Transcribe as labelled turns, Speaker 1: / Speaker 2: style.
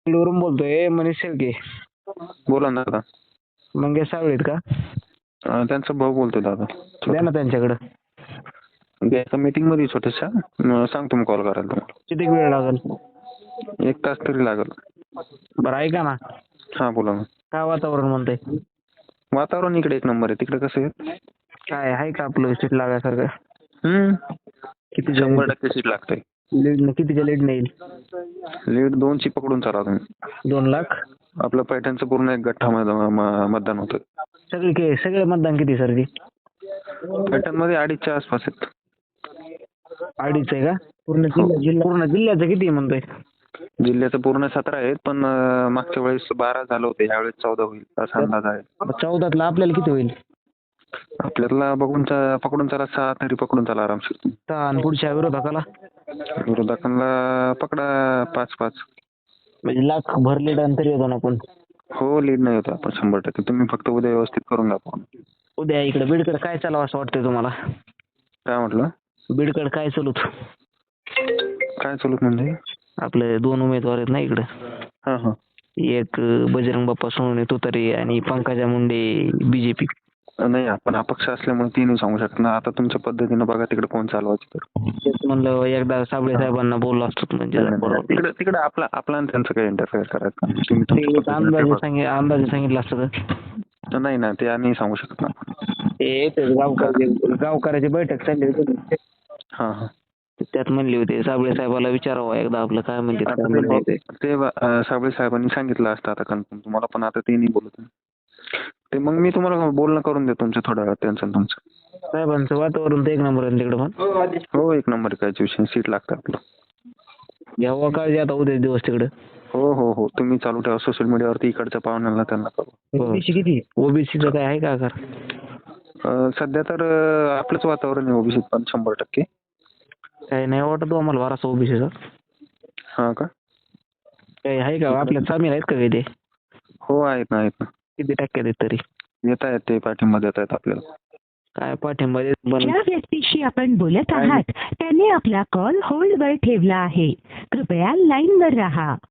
Speaker 1: वरून बोलतोय मनीष शेळके.
Speaker 2: बोला ना दादा.
Speaker 1: मंगेश सावळेत का?
Speaker 2: त्यांचा भाऊ बोलतोय दादा.
Speaker 1: द्या ना त्यांच्याकडं.
Speaker 2: एका मीटिंग मध्ये छोट्याशा सांगतो मी कॉल करायला तुम्हाला.
Speaker 1: किती वेळ लागेल?
Speaker 2: 1 तास तरी लागेल.
Speaker 1: बरं ऐका ना,
Speaker 2: हा बोला ना.
Speaker 1: काय वातावरण म्हणतंय?
Speaker 2: वातावरण इकडे 1 नंबर आहे. तिकडे कसं आहे?
Speaker 1: काय आहे का आपलं सीट लागायसारखं? किती
Speaker 2: 100% सीट लागतंय.
Speaker 1: लीड कितीच्या लीड नाही?
Speaker 2: लीड 2ची पकडून चाला तुम्ही.
Speaker 1: 2 लाख?
Speaker 2: आपलं पैठणचं पूर्ण एक गठ्ठा मतदान होतं.
Speaker 1: सगळे मतदान किती सर ती?
Speaker 2: पैठण मध्ये 2.5च्या आसपास आहेत.
Speaker 1: 2.5 आहे का? पूर्ण जिल्ह्याचं किती म्हणतोय?
Speaker 2: जिल्ह्याचं पूर्ण 17 आहेत, पण मागच्या वेळेस 12 झालं होते, यावेळेस 14 होईल असा अंदाज आहे.
Speaker 1: 14तला आपल्याला किती होईल?
Speaker 2: आपल्याला पकडून चला 6 तरी पकडून चला आरामशीर.
Speaker 1: आणि पुढच्या विरोधकाला?
Speaker 2: विरोधकांना पकडा 5-5.
Speaker 1: म्हणजे लाख भर लीड तरी होतो ना आपण.
Speaker 2: हो लीड नाही होता आपण 100%. तुम्ही फक्त उद्या व्यवस्थित करून दाखवा.
Speaker 1: उद्या इकडे बीडकडे काय चालावं असं वाटतंय तुम्हाला?
Speaker 2: काय म्हटलं?
Speaker 1: बीडकडे काय चालूत?
Speaker 2: काय चालूत म्हणजे?
Speaker 1: आपले 2 उमेदवार आहेत ना इकडे.
Speaker 2: हा.
Speaker 1: एक बजरंग बाप्पा सोनवणे तुतारी आणि पंकजा मुंडे बीजेपी.
Speaker 2: नाही आपण अपक्ष असल्यामुळे ती नाही सांगू शकत ना. आता तुमच्या पद्धतीनं बघा तिकडे कोण चालवायचं तर.
Speaker 1: तेच म्हणलं एकदा साबळे साहेबांना बोललो असतो म्हणजे
Speaker 2: तिकडे आपला आणि त्यांचं काही इंटरफेअर करायचं.
Speaker 1: अंदाजे सांगितलं असतं तर.
Speaker 2: नाही ना ते आम्ही सांगू शकत ना.
Speaker 1: गावकऱ्याची बैठक चालली होती.
Speaker 2: हा.
Speaker 1: त्यात म्हणले होते साबळे साहेबाला विचारावं एकदा आपलं काय म्हणते.
Speaker 2: ते साबळे साहेबांनी सांगितलं असतं आता कन्फर्म तुम्हाला, पण आता ते नाही बोलत. ते मग मी तुम्हाला बोलणं करून देतो तुमच्या थोड्या वेळात त्यांचं तुमचं.
Speaker 1: साहेबांचं वातावरण तर 1 नंबर आहे तिकडे पण.
Speaker 2: हो 1 नंबर कायच विषय. सीट लागतं आपलं.
Speaker 1: घ्यावं काळजी आता उद्या दिवस तिकडे.
Speaker 2: हो तुम्ही चालू ठेवा सोशल मीडियावरती इकडच्या पाहुण्यांना त्यांना करू.
Speaker 1: ओबीसी किती? ओबीसीचं काय आहे का आकार?
Speaker 2: सध्या तर आपलंच वातावरण आहे ओबीसी पण 100%.
Speaker 1: काही नाही वाटत आम्हाला वारसा ओबीसीचा.
Speaker 2: हा का?
Speaker 1: काही आहे का आपल्यात सामील आहेत का काही ते?
Speaker 2: हो आहेत ना.
Speaker 1: किती टक्क्यात आहेत तरी?
Speaker 2: येत आहेत ते पाठिंबा देत आहेत आपल्याला.
Speaker 1: काय पाठिंबा?
Speaker 3: ज्या व्यक्तीशी आपण बोलत आहात त्याने आपला कॉल होल्डवर ठेवला आहे. कृपया लाईनवर राहा.